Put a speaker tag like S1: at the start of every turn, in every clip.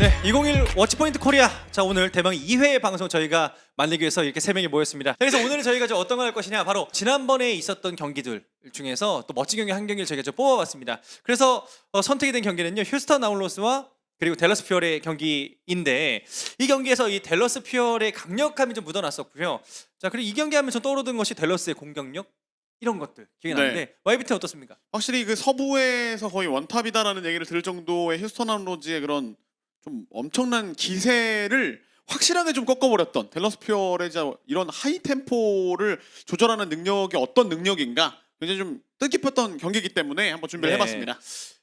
S1: 네, 2021 워치포인트 코리아. 자, 오늘 대망 2회 방송 저희가 만들기 위해서 이렇게 3명이 모였습니다. 자, 그래서 오늘은 저희가 이제 어떤 걸 할 것이냐, 바로 지난번에 있었던 경기들 중에서 또 멋진 경기 한 경기를 저희가 좀 뽑아봤습니다. 그래서 선택이 된 경기는요, 휴스턴 아울러스와 그리고 댈러스 퓨어의 경기인데, 이 경기에서 이 댈러스 퓨어의 강력함이 좀 묻어났었고요. 자, 그리고 이 경기 하면 전 떠오르던 것이 댈러스의 공격력, 이런 것들 기억이 나는데, YBT 어떻습니까?
S2: 확실히 그 서부에서 거의 원탑이다라는 얘기를 들을 정도의 휴스턴 아울러즈의 그런 좀 엄청난 기세를 확실하게 좀 꺾어버렸던 댈러스 퓨어의 이런 하이 템포를 조절하는 능력이 어떤 능력인가 굉장히 좀 뜻깊었던 경기이기 때문에 한번 준비를 해봤습니다.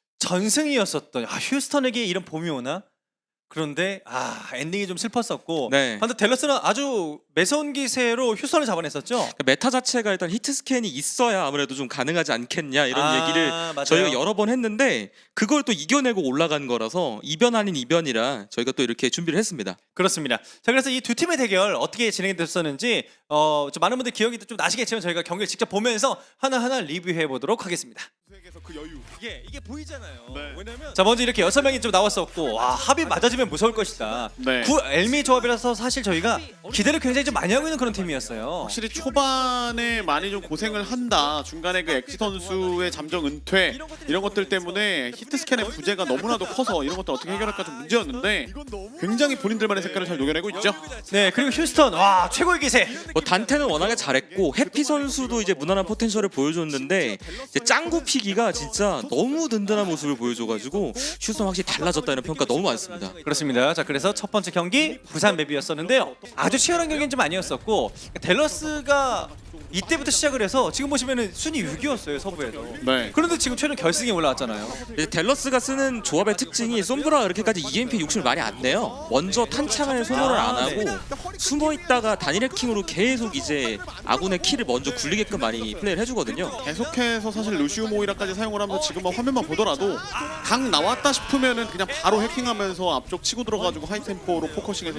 S1: 전승이었었던 휴스턴에게 이런 봄이 오나? 그런데 엔딩이 좀 슬펐었고,
S3: 네.
S1: 반대 댈러스는 아주 매서운 기세로 휴스턴을 잡아냈었죠.
S3: 그러니까 메타 자체가 일단 히트 스캔이 있어야 아무래도 좀 가능하지 않겠냐 이런 얘기를
S1: 맞아요.
S3: 저희가 여러 번 했는데, 그걸 또 이겨내고 올라간 거라서 이변 아닌 이변이라 저희가 또 이렇게 준비를 했습니다.
S1: 그렇습니다. 자, 그래서 이 두 팀의 대결 어떻게 진행이 됐었는지 좀 많은 분들 기억이 좀 나시겠지만 저희가 경기를 직접 보면서 하나하나 리뷰해 보도록 하겠습니다.
S2: 세계에서 그 여유.
S1: 이게 보이잖아요.
S2: 네.
S1: 왜냐면 자, 먼저 이렇게 6명이 좀 나왔었고, 합이 맞아지면 무서울 것이다.
S2: 네.
S1: 구 엘미 조합이라서 사실 저희가 기대를 굉장히 좀 많이 하고 있는 그런 팀이었어요.
S2: 확실히 초반에 많이 좀 고생을 한다. 중간에 그 엑지 선수의 잠정 은퇴 이런 것들 때문에 히트 스캔의 부재가 너무나도 커서 이런 것들 어떻게 해결할까 좀 문제였는데 굉장히 본인들만의 색깔을 잘 녹여내고 있죠.
S1: 네, 그리고 휴스턴 최고의 기세.
S3: 뭐 단테는 워낙에 잘했고 해피 선수도 이제 무난한 포텐셜을 보여줬는데, 이제 짱구 피기가 진짜 너무 든든한 모습을 보여줘가지고 휴스턴 확실히 달라졌다는 평가 너무 많습니다.
S1: 그렇습니다. 자, 그래서 첫 번째 경기 부산 맵이었었는데요. 아주 치열한 경기는 좀 아니었었고, 댈러스가 이때부터 시작을 해서 지금 보시면은 순위 6위였어요, 서부에도.
S2: 네.
S1: 그런데 지금 최종 결승에 올라왔잖아요.
S3: 이제 댈러스가 쓰는 조합의 특징이 솜브라가 그렇게까지 EMP 욕심을 많이 안 내요. 먼저 탄창을 소모를 안 하고 숨어 있다가 단일 해킹으로 계속 이제 아군의 키를 먼저 굴리게끔 많이 플레이를 해주거든요.
S2: 계속해서 사실 루시우 모이라까지 사용을 하면서 지금 화면만 보더라도 강 나왔다 싶으면은 그냥 바로 해킹하면서 앞쪽 치고 들어가지고 하이 템포로 포커싱해서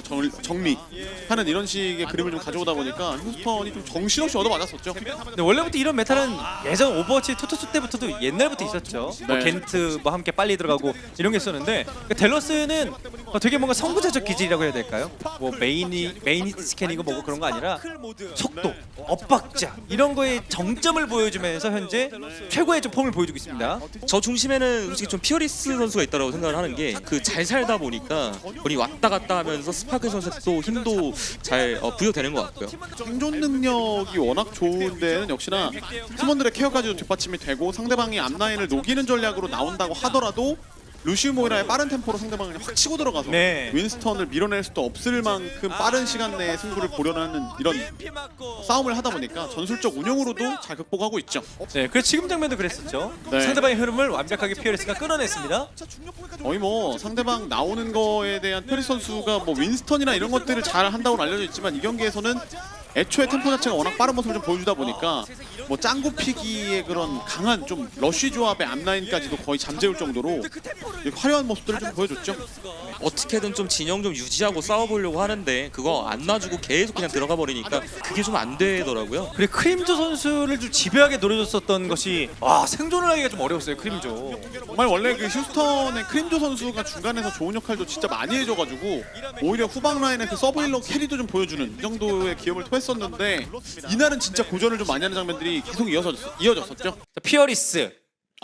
S2: 정리하는 이런 식의 그림을 좀 가져오다 보니까 휴스턴이 좀 정신없이 얻어맞았었죠.
S1: 근데 원래부터 이런 메타는 예전 오버워치 투투 때부터도 옛날부터 있었죠. 뭐
S2: 네.
S1: 겐트 뭐 함께 빨리 들어가고 이런 게 있었는데, 댈러스는 되게 뭔가 선구자적 기질이라고 해야 될까요? 뭐 메인 스캔이고 뭐고 그런 거 아니라 속도, 엇박자 이런 거에 정점을 보여주면서 현재 최고의 좀 폼을 보여주고 있습니다.
S3: 저 중심에는 솔직히 좀 피어리스 선수가 있다고 생각을 하는 게, 그 잘 살다 보니까 우리 왔다 갔다 하면서 스파크 선수도 힘도 잘 부여되는 것 같고요.
S2: 생존 능력이 워낙 좋은 데는 역시나 팀원들의 케어까지도 뒷받침이 되고, 상대방이 앞라인을 녹이는 전략으로 나온다고 하더라도 루시우 모이라의 빠른 템포로 상대방을 확 치고 들어가서
S1: 네.
S2: 윈스턴을 밀어낼 수도 없을 만큼 빠른 시간 내에 승부를 보려는 이런 싸움을 하다 보니까 전술적 운영으로도 잘 극복하고 있죠.
S1: 네, 그래서 지금 장면도 그랬었죠.
S2: 네.
S1: 상대방의 흐름을 완벽하게 피어리스가 끊어냈습니다.
S2: 거의 뭐 상대방 나오는 거에 대한 페리 선수가 뭐 윈스턴이나 이런 것들을 잘 한다고 알려져 있지만, 이 경기에서는 애초에 템포 자체가 워낙 빠른 모습을 좀 보여주다 보니까 뭐 짱구 피기의 그런 강한 좀 러쉬 조합의 앞라인까지도 거의 잠재울 정도로 화려한 모습들을 좀 보여줬죠.
S3: 어떻게든 좀 진영 좀 유지하고 싸워보려고 하는데 그거 안 놔주고 계속 그냥 들어가 버리니까 그게 좀 안 되더라고요.
S1: 그리고 크림조 선수를 좀 집요하게 노려줬었던 것이 생존을 하기가 좀 어려웠어요, 크림조.
S2: 정말 원래 그 휴스턴의 크림조 선수가 중간에서 좋은 역할도 진짜 많이 해줘가지고 오히려 후방 라인의 그 서브힐러 캐리도 좀 보여주는 이 정도의 기염을 토했었는데, 이날은 진짜 고전을 좀 많이 하는 장면들이 계속 이어졌었죠.
S1: 자, 피어리스.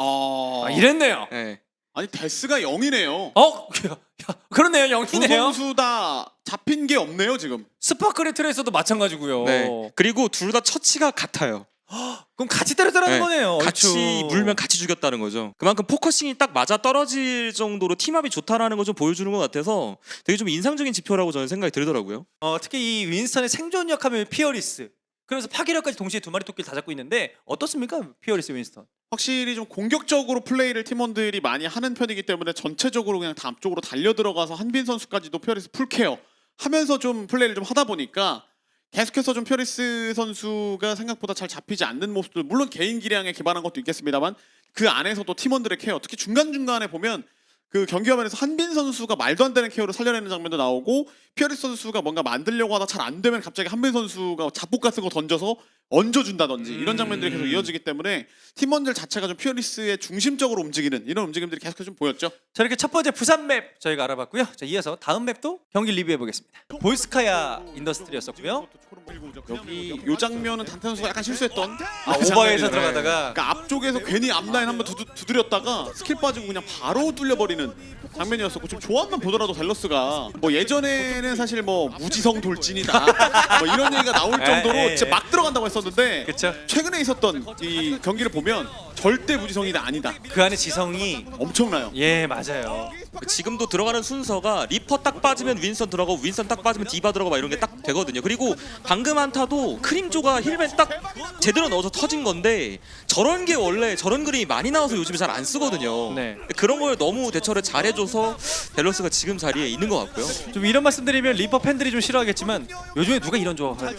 S1: 이랬네요.
S3: 네.
S2: 아니 데스가 0이네요.
S1: 그렇네요,
S2: 두
S1: 영이네요.
S2: 선수 다 잡힌 게 없네요 지금.
S1: 스파크레 트레이서도 마찬가지고요.
S3: 네. 그리고 둘 다 처치가 같아요.
S1: 그럼 같이 때렸다는
S3: 네.
S1: 거네요.
S3: 같이
S1: 얼추.
S3: 물면 같이 죽였다는 거죠. 그만큼 포커싱이 딱 맞아 떨어질 정도로 팀합이 좋다라는 걸 좀 보여주는 것 같아서 되게 좀 인상적인 지표라고 저는 생각이 들더라고요.
S1: 특히 이 윈스턴의 생존력 하면 피어리스. 그래서 파괴력까지 동시에 두 마리 토끼를 다 잡고 있는데 어떻습니까, 피어리스 윈스턴?
S2: 확실히 좀 공격적으로 플레이를 팀원들이 많이 하는 편이기 때문에 전체적으로 그냥 다 앞쪽으로 달려 들어가서 한빈 선수까지도 피어리스 풀케어 하면서 좀 플레이를 좀 하다 보니까 계속해서 좀 피어리스 선수가 생각보다 잘 잡히지 않는 모습들, 물론 개인 기량에 기반한 것도 있겠습니다만 그 안에서도 팀원들의 케어, 특히 중간중간에 보면 그 경기 화면에서 한빈 선수가 말도 안 되는 케어를 살려내는 장면도 나오고, 피어리스 선수가 뭔가 만들려고 하다 잘 안 되면 갑자기 한빈 선수가 잡복 같은 거 던져서 얹어준다든지 이런 장면들이 계속 이어지기 때문에 팀원들 자체가 좀 퓨어리스의 중심적으로 움직이는 이런 움직임들이 계속해서 좀 보였죠.
S1: 자, 이렇게 첫 번째 부산 맵 저희가 알아봤고요. 자, 이어서 다음 맵도 경기 리뷰해 보겠습니다. 볼스카야 인더스트리였었고요.
S2: 여기 요 장면은 단테 선수가 약간 실수했던
S1: 오버에서
S2: 장면이잖아요.
S1: 들어가다가
S2: 그러니까 앞쪽에서 괜히 앞라인 한번 두드렸다가 스킬 빠지고 그냥 바로 뚫려버리는 장면이었었고 지금 조합만 보더라도 댈러스가 뭐 예전에는 사실 뭐 무지성 돌진이다 뭐 이런 얘기가 나올 정도로 진짜 막 들어간다고 했었는데
S1: 그쵸.
S2: 최근에 있었던 이 경기를 보면 절대 무지성이다 아니다
S1: 그 안에 지성이
S2: 엄청나요.
S1: 예 맞아요.
S3: 지금도 들어가는 순서가 리퍼 딱 빠지면 윈선 들어가고 윈선 딱 빠지면 디바 들어가고 막 이런 게 딱 되거든요. 그리고 방금 한타도 크림조가 힐벤 딱 제대로 넣어서 터진 건데 저런 게 원래 저런 그림이 많이 나와서 요즘에 잘 안 쓰거든요.
S1: 네.
S3: 그런 걸 너무 대처를 잘해줘서 밸런스가 지금 자리에 있는 것 같고요.
S1: 좀 이런 말씀드리면 리퍼 팬들이 좀 싫어하겠지만 요즘에 누가 이런 조합을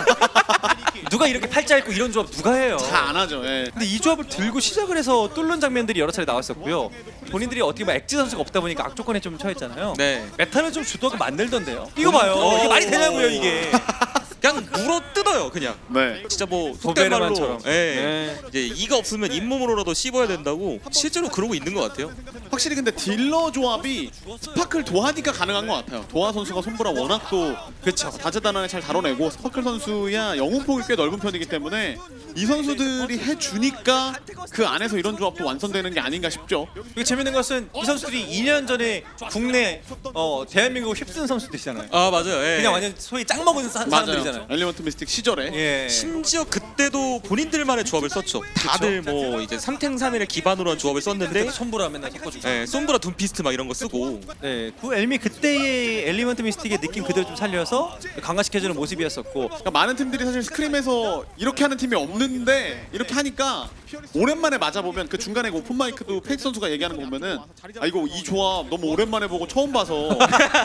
S1: 누가 이렇게 팔자 있고 이런 조합 누가 해요?
S2: 잘 안 하죠. 예.
S1: 근데 이 조합을 들고 시작을 해서 뚫는 장면들이 여러 차례 나왔었고요. 본인들이 어떻게 보면 엑지 선수가 없다 보니까 악조건에 좀 처했잖아요.
S3: 네.
S1: 메타를 좀 주도하게 만들던데요. 이거 봐요. 이게 말이 되냐고요 이게.
S3: 그냥 물어 뜯어요 그냥.
S2: 네.
S3: 진짜 뭐 속된 말로
S1: 도베르만처럼.
S3: 예.
S1: 네.
S3: 이제 이가 없으면 잇몸으로라도 씹어야 된다고 실제로 그러고 있는 것 같아요.
S2: 확실히 근데 딜러 조합이 스파클 도하니까 가능한 것 같아요. 도하 선수가 손보라 워낙 또
S1: 그렇죠.
S2: 다재다능하게 잘 다뤄내고 스파클 선수야 영웅폭이 꽤 넓은 편이기 때문에 이 선수들이 해주니까 그 안에서 이런 조합도 완성되는 게 아닌가 싶죠.
S1: 그리고 재밌는 것은 이 선수들이 2년 전에 국내 대한민국 휩쓴 선수들이잖아요.
S3: 아 맞아요. 예.
S1: 그냥 완전 소위 짱 먹은 사람들이잖아요.
S2: 엘리먼트 미스틱 시절에
S1: 예.
S3: 심지어 그때도 본인들만의 조합을 썼죠. 다들 뭐 이제 3탱 3일을 기반으로 한 조합을 썼는데
S1: 손보라 맨날 섞어주고.
S3: 예, 솜브라 둠피스트 막 이런 거 쓰고
S1: 네, 그 엘미 그때의 엘리먼트 미스틱의 느낌 그대로 좀 살려서 강화시켜주는 모습이었었고.
S2: 그러니까 많은 팀들이 사실 스크림에서 이렇게 하는 팀이 없는데 이렇게 하니까 오랜만에 맞아보면 그 중간에 그 오픈 마이크도 페이크 선수가 얘기하는 거 보면은 아 이거 이 조합 너무 오랜만에 보고 처음 봐서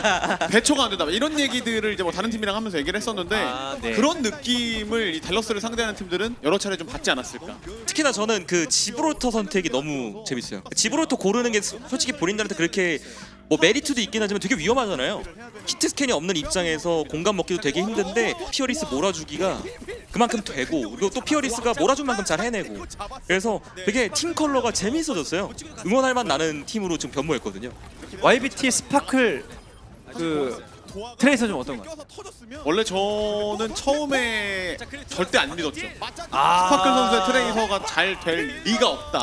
S2: 대처가 안 된다 이런 얘기들을 이제 뭐 다른 팀이랑 하면서 얘기를 했었는데
S1: 아, 네.
S2: 그런 느낌을 이 댈러스를 상대하는 팀들은 여러 차례 좀 받지 않았을까.
S3: 특히나 저는 그 지브롤터 선택이 너무 재밌어요. 지브롤터 고르는 게 솔직히 본인들한테 그렇게 뭐 메리트도 있긴 하지만 되게 위험하잖아요. 히트 스캔이 없는 입장에서 공간 먹기도 되게 힘든데 피어리스 몰아주기가 그만큼 되고 그리고 또 피어리스가 몰아준 만큼 잘 해내고 그래서 되게 팀 컬러가 재밌어졌어요. 응원할 만 나는 팀으로 지금 변모했거든요.
S1: YBT 스파클 그 트레이서 좀 어떤가요?
S2: 원래 저는 처음에 절대 안 믿었죠.
S1: 아.
S2: 스파클 선수의 트레이서가 잘 될 리가 없다.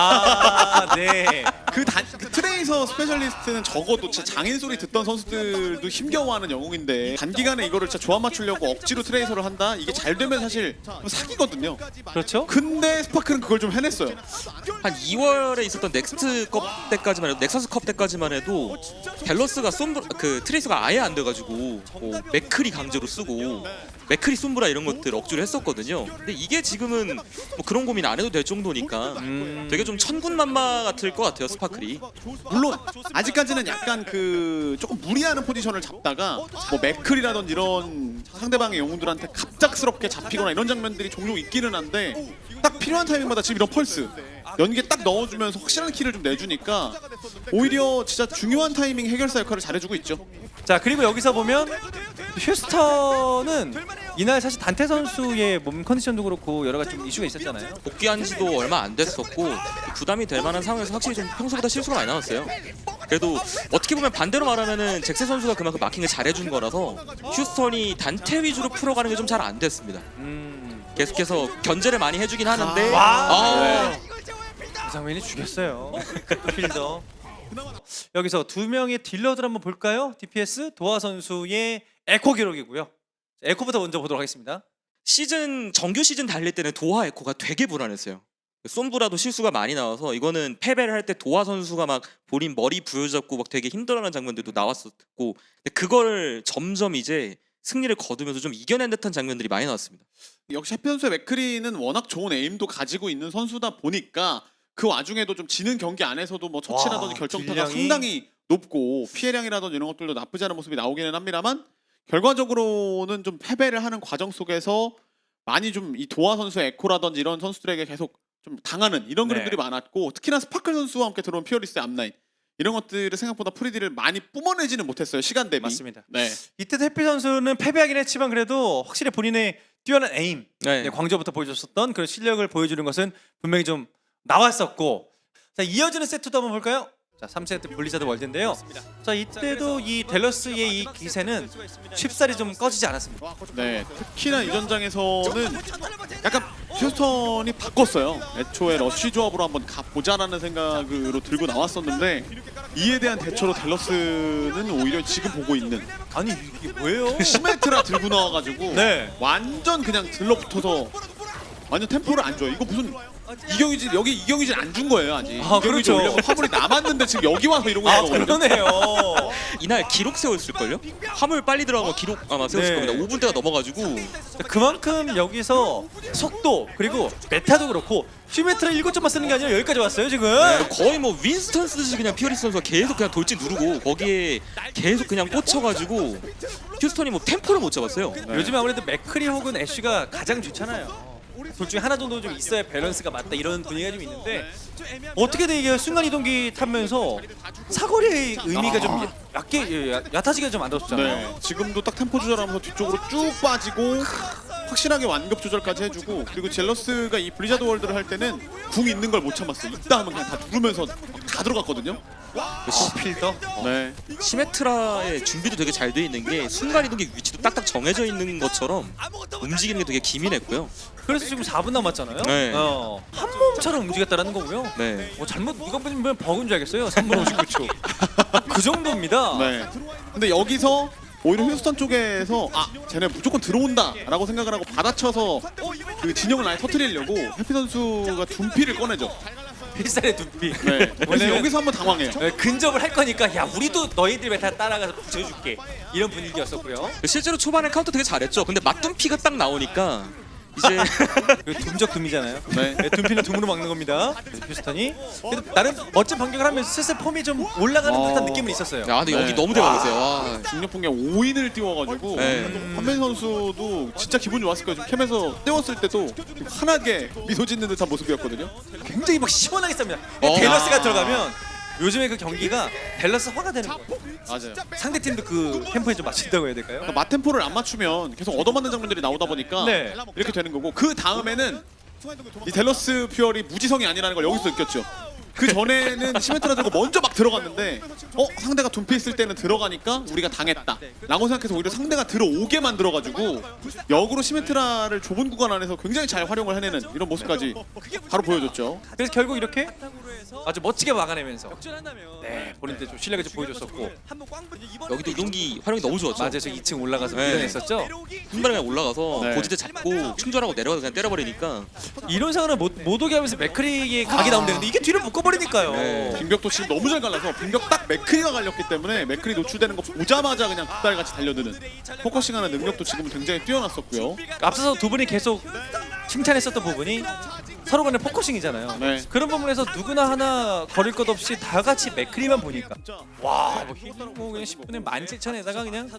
S1: 아, 네.
S2: 그 트레이서 스페셜리스트는 적어도 진짜 장인 소리 듣던 선수들도 힘겨워하는 영웅인데 단기간에 이거를 진짜 조합 맞추려고 억지로 트레이서를 한다? 이게 잘 되면 사실 좀 사기거든요.
S1: 그렇죠?
S2: 근데 스파클은 그걸 좀 해냈어요.
S3: 한 2월에 있었던 넥스트컵 때까지만 해도 넥서스컵 때까지만 해도 밸런스가 그 트레이서가 아예 안 돼가지고 뭐 맥크리 강제로 쓰고 맥크리 솜브라 이런 것들 억지로 했었거든요. 근데 이게 지금은 뭐 그런 고민 안 해도 될 정도니까 되게 좀 천군만마 같을 것 같아요 스파클이.
S2: 물론 아직까지는 약간 그 조금 무리하는 포지션을 잡다가 뭐 맥클이라든지 이런 상대방의 영웅들한테 갑작스럽게 잡히거나 이런 장면들이 종종 있기는 한데 딱 필요한 타이밍마다 지금 이런 펄스 연계 딱 넣어주면서 확실한 키를 좀 내주니까 오히려 진짜 중요한 타이밍 해결사 역할을 잘해주고 있죠.
S1: 자, 그리고 여기서 보면 휴스턴은 이날 사실 단테 선수의 몸 컨디션도 그렇고 여러 가지 좀 이슈가 있었잖아요.
S3: 복귀한 지도 얼마 안 됐었고 부담이 될 만한 상황에서 확실히 좀 평소보다 실수가 많이 나왔어요. 그래도 어떻게 보면 반대로 말하면은 잭세 선수가 그만큼 마킹을 잘해준 거라서 휴스턴이 단테 위주로 풀어가는 게 좀 잘 안 됐습니다. 계속해서 견제를 많이 해주긴 하는데
S1: 와. 이상민이 죽였어요. 필더. 여기서 두 명의 딜러들 한번 볼까요? DPS 도하 선수의 에코 기록이고요. 에코부터 먼저 보도록 하겠습니다.
S3: 정규 시즌 달릴 때는 도하 에코가 되게 불안했어요. 솜브라도 실수가 많이 나와서 이거는 패배를 할 때 도하 선수가 막 본인 머리 부여잡고 막 되게 힘들어하는 장면들도 나왔었고 근데 그걸 점점 이제 승리를 거두면서 좀 이겨낸 듯한 장면들이 많이 나왔습니다.
S2: 역시 해피 선수의 맥크리는 워낙 좋은 에임도 가지고 있는 선수다 보니까 그 와중에도 좀 지는 경기 안에서도 뭐 처치라든지
S1: 와,
S2: 결정타가
S1: 딜량이-
S2: 상당히 높고 피해량이라든지 이런 것들도 나쁘지 않은 모습이 나오기는 합니다만 결과적으로는 좀 패배를 하는 과정 속에서 많이 좀 이 도하 선수의 에코라든지 이런 선수들에게 계속 좀 당하는 이런
S1: 네.
S2: 그림들이 많았고 특히나 스파클 선수와 함께 들어온 피어리스의 앞라인 이런 것들을 생각보다 프리디를 많이 뿜어내지는 못했어요. 시간 대비.
S1: 맞습니다.
S2: 네.
S1: 이때 해피 선수는 패배하긴 했지만 그래도 확실히 본인의 뛰어난 에임,
S3: 네.
S1: 네, 광저부터 보여줬었던 그런 실력을 보여주는 것은 분명히 좀 나왔었고, 자 이어지는 세트도 한번 볼까요? 자 3세트 블리자드 월드인데요. 자 이때도 이 델러스의 이 기세는 쉽사리 좀 꺼지지 않았습니다.
S2: 네, 특히나 이 전장에서는 약간 휴스턴이 바꿨어요. 애초에 러쉬 조합으로 한번 가보자라는 생각으로 들고 나왔었는데 이에 대한 대처로 델러스는 오히려 지금 보고 있는
S1: 아니 이게 뭐예요?
S2: 시메트라 들고 나와가지고
S1: 네.
S2: 완전 그냥 들러붙어서 완전 템포를 안 줘요. 이거 무슨 이경유진 여기 이경유진 안 준 거예요 아직.
S1: 아,
S2: 이경유진
S1: 그렇죠.
S2: 올려면 화물이 남았는데 지금 여기 와서 이러고
S1: 아
S2: 있는 거거든요.
S1: 그러네요.
S3: 이날 기록 세웠을걸요? 화물 빨리 들어간 거 기록 아마 세웠을
S1: 네.
S3: 겁니다. 5분대가 넘어가지고
S1: 그만큼 여기서 속도 그리고 메타도 그렇고 슈메트라 7점만 쓰는 게 아니라 여기까지 왔어요 지금.
S3: 거의 뭐 윈스턴 쓰듯이 그냥 피어리스 선수가 계속 그냥 돌진 누르고 거기에 계속 그냥 꽂혀가지고 휴스턴이 뭐 템포를 못 잡았어요.
S1: 요즘에 아무래도 맥크리 혹은 애쉬가 가장 좋잖아요. 둘 중에 하나 정도 좀 있어야 밸런스가 맞다 이런 분위기가 좀 있는데 어떻게든 이게 순간 이동기 타면서 사거리의 의미가 좀 얕아지게 좀 만들었잖아요.
S2: 네, 지금도 딱 템포 조절하면서 뒤쪽으로 쭉 빠지고 확실하게 완급 조절까지 해주고 그리고 젤러스가 이 블리자드 월드를 할 때는 궁 있는 걸 못 참았어요. 있다 하면 그냥 다 누르면서 다 들어갔거든요.
S1: 필더.
S2: 네,
S3: 시메트라의 준비도 되게 잘 돼 있는 게 순간 이동기 위치도 딱딱 정해져 있는 것처럼 움직이는 게 되게 기민했고요.
S1: 그래서 지금 4분 남았잖아요.
S3: 네.
S1: 한 몸처럼 움직였다라는 거고요.
S3: 네.
S1: 잘못 이거 보면 버그인 줄 알겠어요. 3분 59초. 그 정도입니다.
S2: 네. 근데 여기서 오히려 휴스턴 쪽에서 아 쟤네 무조건 들어온다라고 생각을 하고 받아쳐서 그 진영을 아예 터뜨리려고 해피 선수가 둔피를 꺼내죠.
S1: 필살의 두피.
S2: 네. 그래서
S1: 원래는-
S2: 여기서 한번 당황해요.
S1: 근접을 할 거니까 야 우리도 너희들 메타 따라가서 붙여줄게 이런 분위기였었고요.
S3: 실제로 초반에 카운터 되게 잘했죠. 근데 맞둔피가 딱 나오니까 이제
S1: 둠적 둠이잖아요.
S2: 네.
S1: 네, 둠피는 둠으로 막는 겁니다. 휴스턴이 그래도 나름 멋진 반격을 하면서 슬슬 폼이 좀 올라가는 듯한 느낌은 있었어요.
S3: 야, 근데
S2: 네.
S3: 여기 너무 대박이세요. 와.
S2: 중력 폭격 5인을 띄워가지고
S3: 네.
S2: 한빈 선수도 진짜 기분 좋았을 거예요. 지금 캠에서 띄웠을 때도 좀 환하게 미소 짓는 듯한 모습이었거든요.
S1: 굉장히 막 시원하게 쌉니다.
S3: 어.
S1: 델러스가 들어가면 요즘에 그 경기가 밸런스 화가 되는 거예요.
S2: 맞아요.
S1: 상대 팀도 그 템포에 좀 맞춘다고 해야 될까요?
S2: 그러니까 맛템포를 안 맞추면 계속 얻어맞는 장면들이 나오다 보니까
S1: 네.
S2: 이렇게 되는 거고 그 다음에는 이 델러스 퓨어리 무지성이 아니라는 걸 여기서 느꼈죠. 그 전에는 시메트라 들고 먼저 막 들어갔는데 상대가 둔피 있을 때는 들어가니까 우리가 당했다 라고 생각해서 오히려 상대가 들어오게 만들어가지고 역으로 시메트라를 좁은 구간 안에서 굉장히 잘 활용을 해내는 이런 모습까지 바로 보여줬죠.
S1: 그래서 결국 이렇게 아주 멋지게 막아내면서 네 본인들 좀 실력을 좀 보여줬었고
S3: 여기도 이동기 활용이 너무 좋았죠.
S1: 맞아요. 저 2층 올라가서
S3: 네.
S1: 밀어냈었죠.
S3: 한 발에 그냥 올라가서
S2: 네.
S3: 고지대 잡고 충전하고 내려가서 그냥 때려버리니까
S1: 이런 상황은 못 오게 하면서 맥크리의 각이 나오면 되는데 이게 뒤를 묶어버리니까요.
S3: 네.
S2: 빙벽도 지금 너무 잘 갈라서 빙벽 딱 맥크리가 갈렸기 때문에 맥크리 노출되는 거 보자마자 그냥 닭달같이 달려드는 포커싱하는 능력도 지금은 굉장히 뛰어났었고요.
S1: 앞서서 두 분이 계속 칭찬했었던 부분이 서로 간의 포커싱이잖아요.
S2: 네.
S1: 그런 부분에서 누구나 하나 거릴 것 없이 다 같이 맥크리만 보니까 와뭐 그냥 10분에 17,000에다가 그냥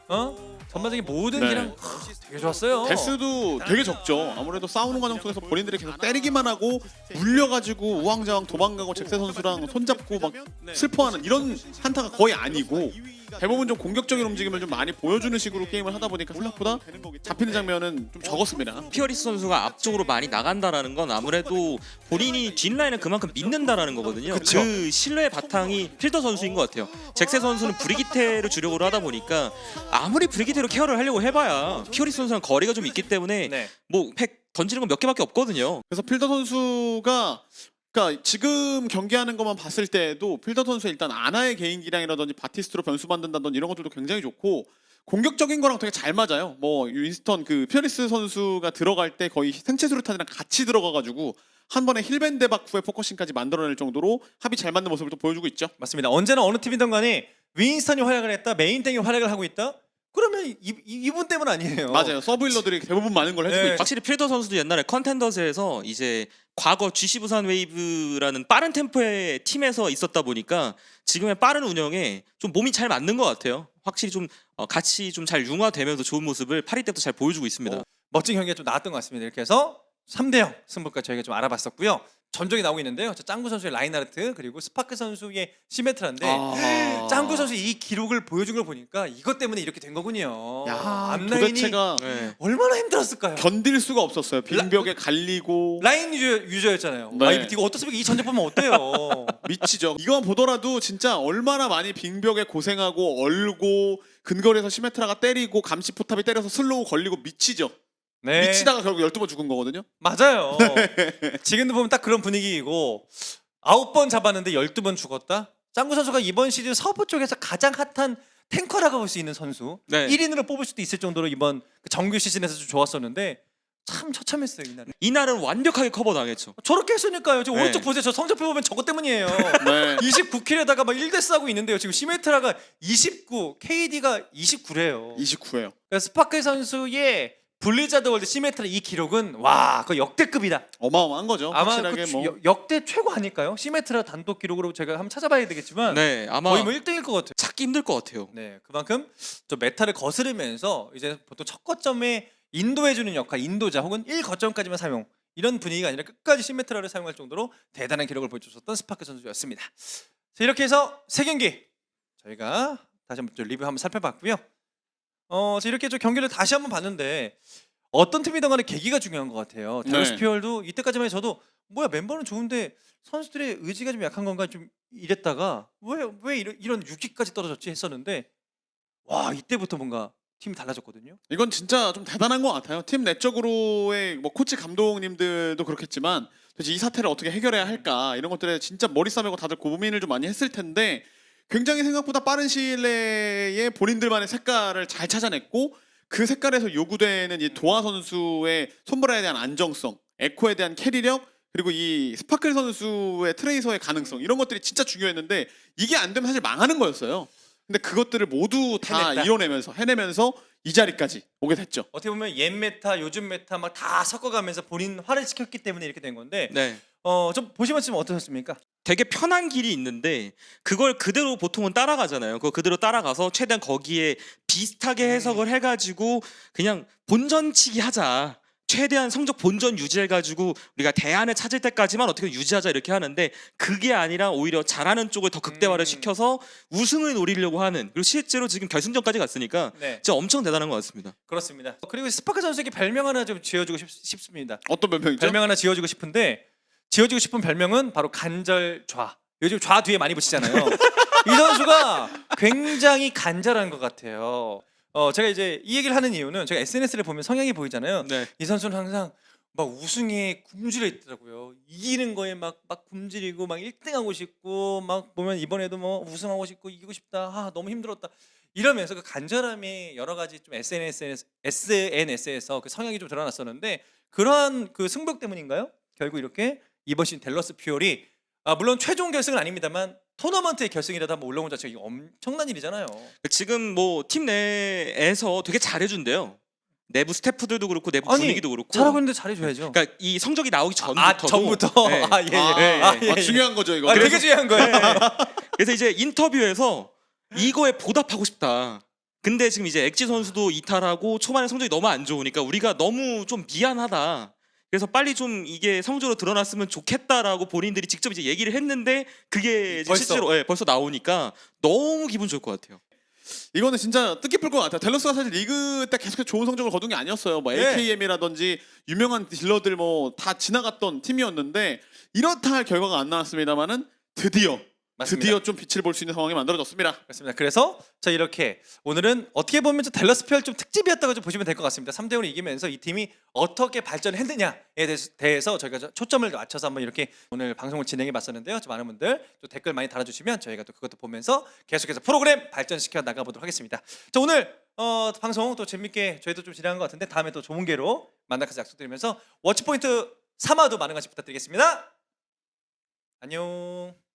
S1: 전반적인 모든
S2: 네.
S1: 기량 되게 좋았어요.
S2: 데스도 되게 적죠. 아무래도 싸우는 과정 속에서 본인들이 계속 때리기만 하고 물려가지고 우왕좌왕 도망가고 잭세 선수랑 손잡고 막 슬퍼하는 이런 한타가 거의 아니고 대부분 좀 공격적인 움직임을 좀 많이 보여주는 식으로 게임을 하다 보니까 생각보다 잡히는 장면은 좀 적었습니다.
S3: 피어리스 선수가 앞쪽으로 많이 나간다라는 건 아무래도 본인이 뒷라인을 그만큼 믿는다라는 거거든요.
S1: 그쵸.
S3: 그 신뢰의 바탕이 필더 선수인 것 같아요. 잭세 선수는 브리기테를 주력으로 하다 보니까 아무리 브리기테로 케어를 하려고 해봐야 피어리스 선수랑 거리가 좀 있기 때문에
S1: 네.
S3: 뭐 팩 던지는 건 몇 개밖에 없거든요.
S2: 그래서 필더 선수가 그러니까 지금 경기하는 것만 봤을 때도 필더 선수의 일단 아나의 개인 기량이라든지 바티스트로 변수 만든다든지 이런 것들도 굉장히 좋고 공격적인 거랑 되게 잘 맞아요. 뭐 윈스턴 그 피어리스 선수가 들어갈 때 거의 생체 수류탄이랑 같이 들어가가지고 한 번에 힐밴드 박 후에 포커싱까지 만들어낼 정도로 합이 잘 맞는 모습을 또 보여주고 있죠.
S1: 맞습니다. 언제나 어느 팀이든 간에 윈스턴이 활약을 했다, 메인탱이 활약을 하고 있다. 그러면 이분 때문 아니에요.
S2: 맞아요. 서브힐러들이 대부분 많은 걸 해주고
S1: 네.
S2: 있죠.
S3: 확실히 필더 선수도 옛날에 컨텐더스에서 이제 과거 GC 부산 웨이브라는 빠른 템포의 팀에서 있었다 보니까 지금의 빠른 운영에 좀 몸이 잘 맞는 것 같아요. 확실히 좀 같이 좀 잘 융화되면서 좋은 모습을 파리 때부터 잘 보여주고 있습니다.
S1: 멋진 경기가 좀 나왔던 것 같습니다. 이렇게 해서 3대0 승부까지 저희가 좀 알아봤었고요. 전적이 나오고 있는데요. 자, 짱구 선수의 라인하르트 그리고 스파크 선수의 시메트라인데
S2: 아.
S1: 짱구 선수 이 기록을 보여준 걸 보니까 이것 때문에 이렇게 된 거군요.
S2: 야,
S1: 앞라인이
S2: 도대체가
S3: 네.
S1: 얼마나 힘들었을까요?
S2: 견딜 수가 없었어요. 빈벽에 갈리고
S1: 라인 유저였잖아요.
S2: 네.
S1: 아, 이거 어떻습니까? 이 전적 보면 어때요?
S2: 미치죠. 이거 보더라도 진짜 얼마나 많이 빈벽에 고생하고 얼고 근거리에서 시메트라가 때리고 감시 포탑이 때려서 슬로우 걸리고 미치죠.
S1: 네.
S2: 미치다가 결국 12번 죽은 거거든요.
S1: 맞아요. 지금도 보면 딱 그런 분위기이고 9번 잡았는데 12번 죽었다. 짱구 선수가 이번 시즌 서부 쪽에서 가장 핫한 탱커라고 볼 수 있는 선수.
S3: 네.
S1: 1인으로 뽑을 수도 있을 정도로 이번 그 정규 시즌에서 좀 좋았었는데 참 처참했어요 이날은.
S3: 이날은 완벽하게 커버 당했죠.
S1: 저렇게 했으니까요. 지금
S3: 네.
S1: 오른쪽 보세요. 저 성적표 보면 저것 때문이에요.
S2: 네.
S1: 29킬에다가 막 1대스 하고 있는데요. 지금 시메트라가 29, KD가 29래요.
S2: 29예요.
S1: 그러니까 스파크 선수의 블리자드 월드 시메트라 이 기록은 와, 그 역대급이다.
S2: 어마어마한 거죠.
S1: 아마
S2: 확실하게
S1: 그
S2: 뭐
S1: 역대 최고 아닐까요? 시메트라 단독 기록으로 제가 한번 찾아봐야 되겠지만
S3: 네, 아마
S1: 거의 뭐 1등일 것 같아요.
S3: 찾기 힘들 것 같아요.
S1: 네, 그만큼 좀 메타를 거스르면서 이제 보통 첫 거점에 인도해주는 역할, 인도자 혹은 1거점까지만 사용 이런 분위기가 아니라 끝까지 시메트라를 사용할 정도로 대단한 기록을 보여줬었던 스파크 선수였습니다. 자, 이렇게 해서 3경기 저희가 다시 한번 좀 리뷰 한번 살펴봤고요. 자, 이렇게 좀 경기를 다시 한번 봤는데 어떤 팀이든 간에 계기가 중요한 것 같아요.
S2: 네.
S1: 델로스피얼도 이때까지만 해도 저도 뭐야 멤버는 좋은데 선수들의 의지가 좀 약한 건가 좀 이랬다가 왜 이런 6위까지 떨어졌지 했었는데 와 이때부터 뭔가 팀이 달라졌거든요.
S2: 이건 진짜 좀 대단한 것 같아요. 팀 내적으로의 뭐 코치 감독님들도 그렇겠지만 도대체 이 사태를 어떻게 해결해야 할까 이런 것들에 진짜 머리 싸매고 다들 고민을 좀 많이 했을 텐데 굉장히 생각보다 빠른 시일 내에 본인들만의 색깔을 잘 찾아냈고 그 색깔에서 요구되는 이 도하 선수의 손브라에 대한 안정성, 에코에 대한 캐리력 그리고 이 스파클 선수의 트레이서의 가능성 이런 것들이 진짜 중요했는데 이게 안 되면 사실 망하는 거였어요. 근데 그것들을 모두 다
S1: 해냈다.
S2: 이뤄내면서 해내면서 이 자리까지 오게 됐죠.
S1: 어떻게 보면 옛 메타, 요즘 메타 막 다 섞어가면서 본인 화를 시켰기 때문에 이렇게 된 건데
S3: 네.
S1: 좀 보시면 지금 어떠셨습니까?
S3: 되게 편한 길이 있는데 그걸 그대로 보통은 따라가잖아요. 그거 그대로 따라가서 최대한 거기에 비슷하게 해석을 해가지고 그냥 본전치기 하자. 최대한 성적 본전 유지해가지고 우리가 대안을 찾을 때까지만 어떻게 유지하자 이렇게 하는데 그게 아니라 오히려 잘하는 쪽을 더 극대화를 시켜서 우승을 노리려고 하는 그리고 실제로 지금 결승전까지 갔으니까
S1: 네,
S3: 진짜 엄청 대단한 것 같습니다.
S1: 그렇습니다. 그리고 스파크 선수에게 별명 하나 좀 지어주고 싶습니다.
S2: 어떤 변명이죠?
S1: 별명 하나 지어주고 싶은데 지어주고 싶은 별명은 바로 간절좌. 요즘 좌 뒤에 많이 붙이잖아요. 이 선수가 굉장히 간절한 것 같아요. 제가 이제 이 얘기를 하는 이유는 제가 SNS를 보면 성향이 보이잖아요.
S3: 네.
S1: 이 선수는 항상 막 우승에 굶주려 있더라고요. 이기는 거에 막 굶주리고 막 1등하고 싶고 막 보면 이번에도 뭐 우승하고 싶고 이기고 싶다. 아 너무 힘들었다. 이러면서 그 간절함이 여러 가지 좀 SNS에서 그 성향이 좀 드러났었는데 그러한 그 승벽 때문인가요? 결국 이렇게 이번 시즌 댈러스 퓨얼이 물론 최종 결승은 아닙니다만 토너먼트의 결승이라도 한번 올라온 자체가 이게 엄청난 일이잖아요.
S3: 지금 뭐 팀 내에서 되게 잘해준대요. 내부 스태프들도 그렇고 내부
S1: 아니,
S3: 분위기도 그렇고.
S1: 잘하고 있는데 잘해줘야죠.
S3: 그러니까 이 성적이 나오기 전부터도.
S1: 전부터.
S3: 네.
S1: 예.
S2: 중요한 거죠 이거.
S1: 되게 중요한 거예요.
S3: 그래서 이제 인터뷰에서 이거에 보답하고 싶다. 근데 지금 이제 엑지 선수도 이탈하고 초반에 성적이 너무 안 좋으니까 우리가 너무 좀 미안하다. 그래서 빨리 좀 이게 성적으로 드러났으면 좋겠다라고 본인들이 직접 이제 얘기를 했는데 그게 이제
S1: 벌써?
S3: 실제로 벌써 나오니까 너무 기분 좋을 것 같아요.
S2: 이거는 진짜 뜻깊을 것 같아요. 델러스가 사실 리그 때 계속해서 좋은 성적을 거둔 게 아니었어요. 뭐
S1: 네.
S2: AKM이라든지 유명한 딜러들 뭐 다 지나갔던 팀이었는데 이렇다 할 결과가 안 나왔습니다만은 드디어 좀 빛을 볼 수 있는 상황이 만들어졌습니다.
S1: 그렇습니다. 그래서 자 이렇게 오늘은 어떻게 보면 좀 댈러스 퓨얼 좀 특집이었다고 좀 보시면 될 것 같습니다. 3대5로 이기면서 이 팀이 어떻게 발전했느냐에 대해서 저희가 초점을 맞춰서 한번 이렇게 오늘 방송을 진행해 봤었는데요. 좀 많은 분들 또 댓글 많이 달아주시면 저희가 또 그것도 보면서 계속해서 프로그램 발전시켜 나가보도록 하겠습니다. 자 오늘 방송 또 재밌게 저희도 좀 진행한 것 같은데 다음에 또 좋은 기회로 만나서 약속드리면서 워치포인트 3화도 많은 관심 부탁드리겠습니다. 안녕.